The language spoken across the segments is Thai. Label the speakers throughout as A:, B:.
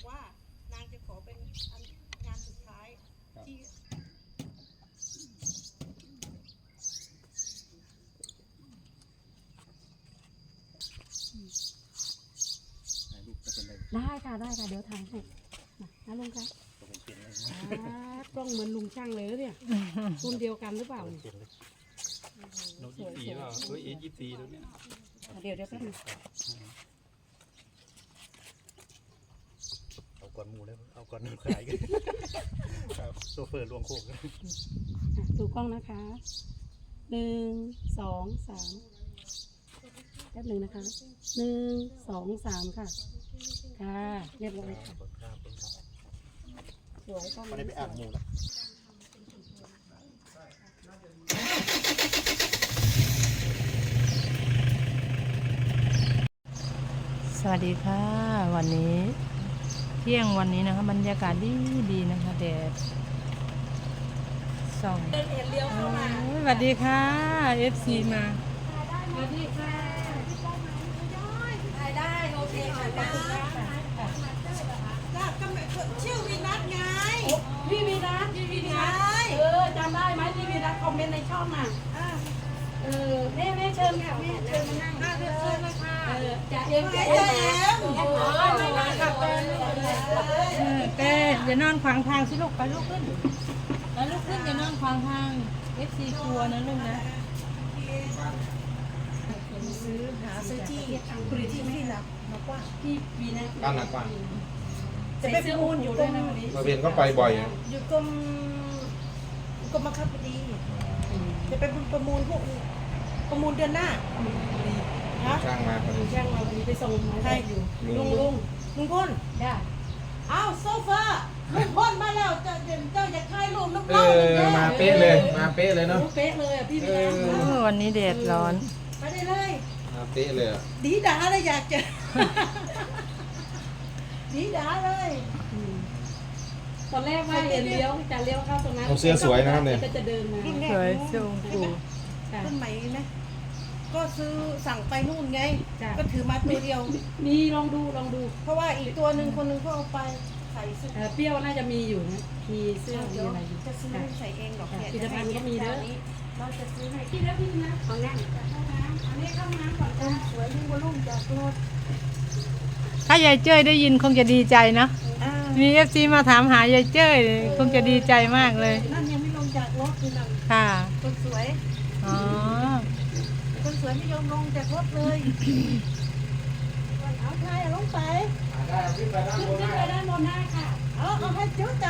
A: ว่านางจะขอเป็นงานสุดท้ายที่
B: ได้ค่ะได้ค่ะเดี๋ยวถ่ายให้นะลุงคะกล้องเหมือนลุงช่างเลยเนี่ยรุ่นเดียวกันหรือเปล่าเนี่ย
C: โน้ต24เปล่าเฮ้ย24แล้วเนี่ย
B: เดี๋ยวแป๊บนึง
C: เอาก่อนหมูแล้วเอาก่อนน้ำขายกันครับโซเฟอร์ลวงโคก
B: ดูกล้องนะคะ1 2 3แป๊บหนึ่งนะคะ1 2 3ค่ะค่ะเรียบร้อยค่ะสวยกล้อง
C: ไม่ได้ไปอ่านหมูแล้ว
D: สวัสดีค่ะวันนี้เที่ยงวันนี้นะคะบรรยากาศดีนะคะแดดส่องสวัสดีค่ะ FC มาสวัสดีค่ะ
A: ถ่ายได้โอเคถ่ายได้ชื่อวีนัทไง
B: พี่วีนัทจำได้ไหมพี่วีนัทคอมเมนต์ในช่องอ่ะแม่เชิญค่ะแม่เชิญมานั่งเชิญเลยค่ะจะเอ็มแไม่นั่งกับแฟน
D: แกอย่านอนขวางทางสิลูกไปลูกขึ้นไปลูกขึ้นอย่านอนขวางทาง FC กลัวนะลูกนะ
A: ซื้อที่บริที่ที่รับมากว่า
B: พี่วีนัท
E: บ้านหลังกว้าง
A: จะไปประมูลอยู่ด้วยนะวันนี้
E: มาเวียนก็ไปบ่อยนะ
A: อยู่กรมบังคับคดีจะไปประมูลพวกประมูลเดือนหน้าฮะ
E: ช่างมาพอดี
B: ช่างเราดีไปส่งมา
A: ใคร
B: ได้อยู่
A: ลุงพล
B: ได้
A: อ้าวโซฟาลุงพลมาแล้วเจ้าอยากถ่ายรูปน้ำ
E: เอ
A: เล่า
E: อมาเป๊ะเลยมาเป๊ะเลยเนาะ
B: เป๊ะเลยอ่ะพี่วีนัท
D: วันนี้แดดร้อน
A: ไปได้เลย
E: มาเป๊ะเลยอะ
A: ดีด่าเลยอยากจะ ดีด่าเลย
B: ตอนแรกว่าจะเลี้ยวเข้าตรงนั้น
E: เอาเสื้อสวยนะครับเนี่ย
B: ก็จะเดินมา
D: สวยสูงปู
A: ต้นไหมนะก็ซื้อสั่งไปนู่นไง
B: จ้ะ
A: ก็ถือมาตัวเดียว
B: มีลองดู
A: เพราะว่าอีกตัวหนึ่งคนหนึงเขาเอาไปใส่เสื้อ
B: เปรี้ยวน่าจะมีอยู่นะมีเสื้อมี
A: เดี๋ยว
B: อะไรอยู่
A: จะซื้อใส่เองหรอก
B: ค่ะ
A: เนี่ย
B: ผลิตภัณฑ์ก็มีเด้อ
A: เราจะซื้อให้
B: พี่แล้วพี่นะเอานั่งเข้าน้ำอันนี้เข้าน้ำก่อนจ้ะ
A: สวยยิ่งกว่าลุ่มจากรถ
D: ถ้ายายเจ้ยได้ยินคงจะดีใจเนาะ
A: อ่า
D: มี FC มาถามหายายเจ้ยคงจะดีใจมากเลย
A: นั่นยังไม่ลงจากรถคือนั่น
D: ค่ะ
A: คนสวย
D: อ๋อ
A: คนสวยไม่ยอมลงจากรถเลยเอาใครลงไป
E: ได้ขึ้นไปด้านบน
B: ขึ้น
E: ได้
B: ไปด้านบนได้ค่ะ
A: เอาให้เจ้าใจ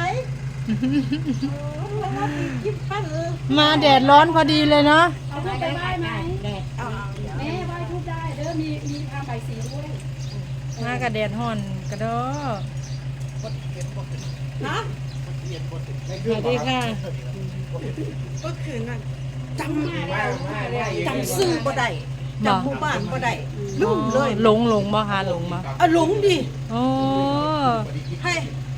A: แล้วอีกยิ้มปั้นเลย
D: มาแดดร้อนพอดีเลยเนาะ
B: เอาทุกไปไหว้ไหม
A: เอา
B: แม่ไหว้ทุกได้เด้อมีทางใบสีด้วย
D: มากับแดดห่อนกระโดด
A: ฮะ
D: สวัสดีค่ะ
A: ก็คือนั่นจำซื้อบ่ได้จำหมู่บ้านบ่ได้ลืมเลย
D: หลงบ่คะหลงบ่
A: หลงดิ
D: โอ้
A: ให้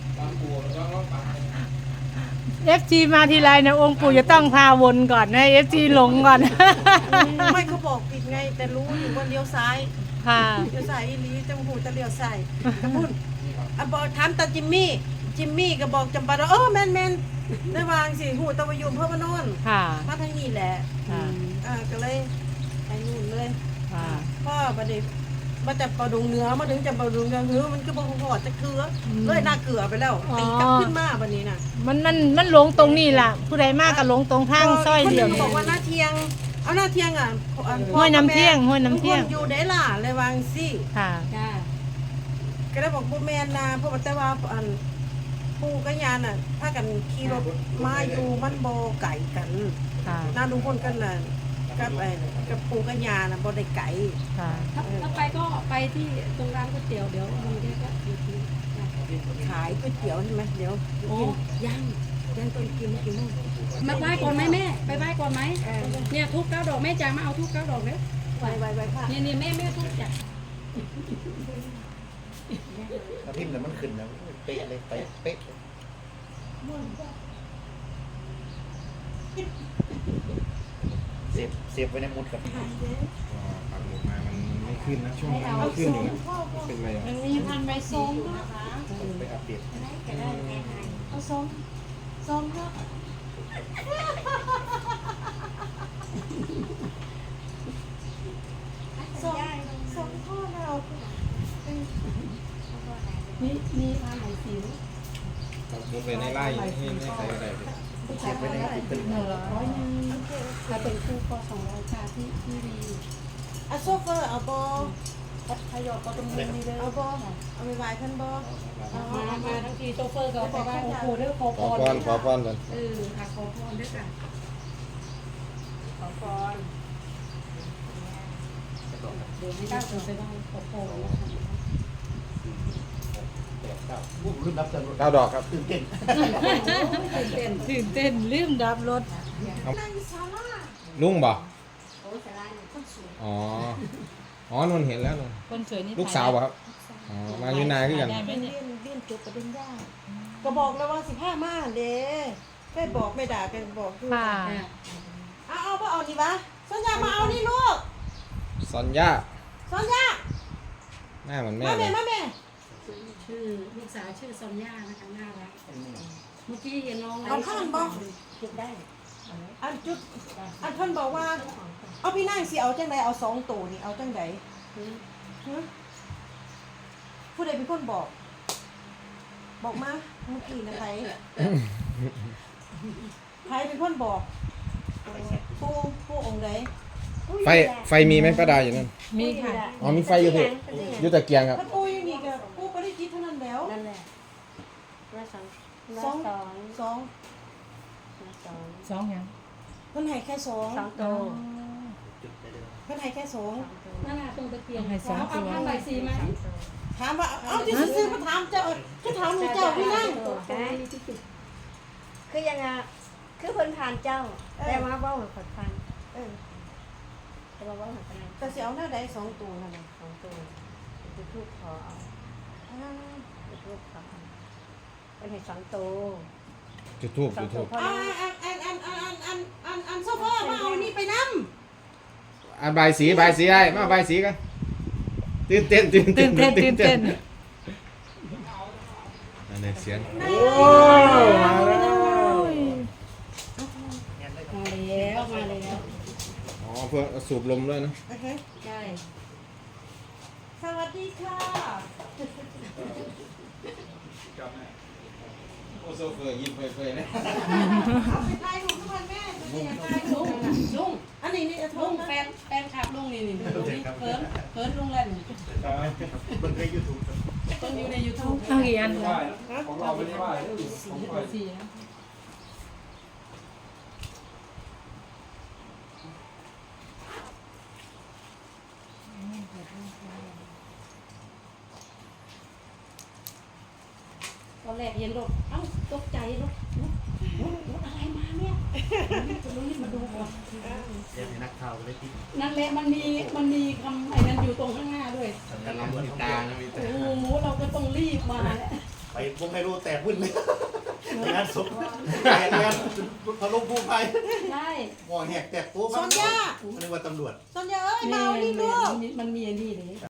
D: FG มาทีไรนะองค์ปู่จะต้องพาวนก่อนนะ FG หลงก่อน
A: ไม่เขาบอกผิดไง แต่รู้อยู่ว่าเลี้ยวซ้าย
D: ค่ะ
A: เลี้ยวซ้ายอีหลีจังหูจะเลี้ยวซ้ายกระพุ่นบอกถามตาจิมมี่ก็บอกจำปาดาแม่นได้วางสิหูตะวายุมเพิ่มมานอน
D: ค่ะ
A: มาทางนี้แหละ
D: ค่ะ
A: ก็เลยไปนู่นเลย
D: ค่ะ
A: พ่อประเดี๋ยวมาจากปลาดุงเหนือมาถึงจากปลาดุงเหนือมันก็บอกหอดจะเกลือเลยน่าเกลือไปแล้วตีกลับขึ้นมาวันนี้น่ะ
D: มันหลงตรงนี้ล่ะ ผู้ใดมากก็หลงตรงทางซอยเดียว
A: คนหนึ่ง
D: นี่
A: บอกว่าหน้าเทียง เอาหน้าเทียงอ่ะ
D: ห้วยน้ำเที่ยงห้วยน้ำเที่ยง
A: อยู่ได้ล่ะเลยวางสิ
D: ค่ะ
B: จ้า
A: ก็ได้บอกพ่อแม่นาเพราะว่าแต่ว่าอันปู่กับยาน่ะถ้ากันขี่รถมาอยู่มันโบไก่กัน
D: ค่ะ
A: น้าลุงพลกันน่ะกับปู่กับยาน่ะโบได้ไก่
D: ค่ะ
B: ถ้าไปก็ไปที่ตรงร้านก๋วยเตี๋ยวเดี๋ยวลุงแกก็อยู่ที่
A: ขายก๋วยเตี๋ยวใช่ไหมเดี๋ยวกินย่างต้นกินกี่โมง
B: มาไหว้ก่อนไหมแม่ไปไหว้ก่อนไหมเนี่ยทุก9 ดอกแม่จ๋ามาเอาทุก9 ดอกเด้อ
A: ไวค่ะ
B: เนี่ยแม่ทุกจ้ะ
C: ถ้าพิมพ์แล้วมันขึ้นแล้วเป๊ะเลยเป๊ะเป๊ะเสียบไว้ในมุดกับ
E: ปักหมุดมามันไม่ขึ้นนะช่วงนี้ไม่ขึ้นอยู่นะเป็นไรอ่ะ
D: มันมีพันใบส้มด้วย
C: ไปอัปเดต
D: เอาส้มส้มก็
A: สองข้อเรา
B: มีผ้าไหมสิว
E: มุดไปในไร่ให้ใส่อะไรไป
C: เก็บไว้ในติ๊กเกอร์
B: 100ถ้าเป็นคู่ก็200ค่ะที่ดี
A: อ่ะโซเฟอร์เอาบอ
B: ถ้ายอดก็ตรงนี้นี่เด้อ
A: เอาบอเอาไปไหว้ท่านบอ
B: มาทั้งทีโชเฟอร์ก็บอกว่าโอ้โหเด้อขอ
E: ขอพรขอพรกัน
B: ค่ะขอพรด้วยค่ะขอพรเดี๋ยวไม่ได้จะได้ขอพรนะคะ
C: รุ่นรับจำนวน
E: 9 ดอกครับ
C: ตื่นเต้น
D: ตื่นเต้นลืมดับรถ
E: ลุงบ่อ๋ออ๋อนนเห็นแล้วนน
D: คนสวยนี่
E: ลูกสาวบ่ครับอ๋อมาอยู่นาคือกัน
D: ได้ไหม
A: เรี
D: เนี่ย
A: ยนเรียนจบประเด็นยากก็บอกแล้วว่า15มาเด้แค่บอกไม่ด่ากันบอกอยู่
D: ค่ะ
A: เอาบ่เอานี่วะสัญญามาเอานี่ลูก
E: ซอนย่า
A: สัญญา
E: หน้าเหมือนแม่
A: มา
E: เล
A: แม่
E: ย
A: มาแม่
B: ชื่อลูกสาวชื่อซอนย่านะคะน่ารักเมื่อกี้เห็นน้อง
A: เอาข้างบ่
B: จุดได้
A: อันจุดอันเพิ่นบอกว่า เอาพี่นางสิเอาจังไดเอา2ตัวนี่เอาจังไดฮะผู้ใดเป็นคนบอก บอกมาเมื่อกี้นะใครใครเป็นคนบอกผู้องค์ใด
E: ไฟมีไหมป้าดาอยู่นั่น
D: มีค่ะ
E: อ๋อมีไฟอยู่พี่อยู่ตะเกียงครับ
A: ถ้าปูอยู่นี่ก็ปูปริจิตเท่านั้นแล้ว
B: นั่นแหละว่าสอง
A: สองสอง
D: สองยัง
A: เพิ่นให้แค่สอง
B: สองโต
C: จุดได้เลย
A: เพิ่นให้แค่สอง
B: นั่นแหละตรงตะเกียงเอาผ้าใบสีไหม
A: ถามว่าเอาที่ซื้อมาถามเจ้าก็ถามเจ้าพี่นั่ง
F: คือยังไงคือคนผ่านเจ้า แต่ว่าเบ้าเหมือนคนฟัง
A: เออ
F: แต่ว่าเบ้าเหมือนกัน
A: แต่สิเอาหน้าใดสองตัวนั่นน่ะ
F: ของตัวจะทูบขอเอาจะทูบขอเป็นเห็ดสองตัว
E: จุดทูบ
F: สอ
E: จุ
F: ง
E: ด
F: ตั
E: ทู
F: ว
E: บ
F: พ่อ
A: อันโซเฟอร์มาเอานี่ไปนำ
E: อ่ะใบายสีไอ้มาใบายสีกันตื่นเต้น
D: ตื่นเต้นตื่นเต้น
E: อันนี้เสียง
B: มาแล้ว
E: อ๋อเพื่อสูบลมด้วยนะ
A: โอเค
B: ใช่
A: สวัสดีค่ะ
E: โอ้โซเฟอร์ยิ้มเฟยๆนะ
A: เอาไปถ่ายรูปทุกวันแม่จะได้ถ่ายรู
B: ลุ
A: ป
B: ง
A: อันนี้นี่จะโท
B: ลุ
A: ษ
B: ง
A: นะ
B: แฟนขับลุงนี่เขินลุงเล่น
C: เบิ่งในยูทูบ
B: ต้องอยู่ใน YouTube
D: เอากี่อันคะ
E: ของเราไม่ได้ว่า
D: สี่นะ
B: ตอนแรกเห็นรถเอ้าตกใจรถอะไรมาเนี่ยจะรีบมาดูก่อน
C: เรียนให้นักข่าวเลยที่
B: นั่นแหละมันมีคำไอ้นั้นอยู่ตรงข้างหน้าด้วย
E: กำลังติดตานะมี
B: โอ้โหเราก็ต้องรีบมาแล้ว
C: ไปวงไฮโลแตกวุ่นเลยงานศพงานพะลุผู้ภัย
B: ใช่
C: หัวแหกแตกโป๊ะ
A: สัญญา
C: นึกว่าตำรวจ
A: สัญญาเอ้ยมาเอานี่ลูก
B: มันมีอันนี้เลย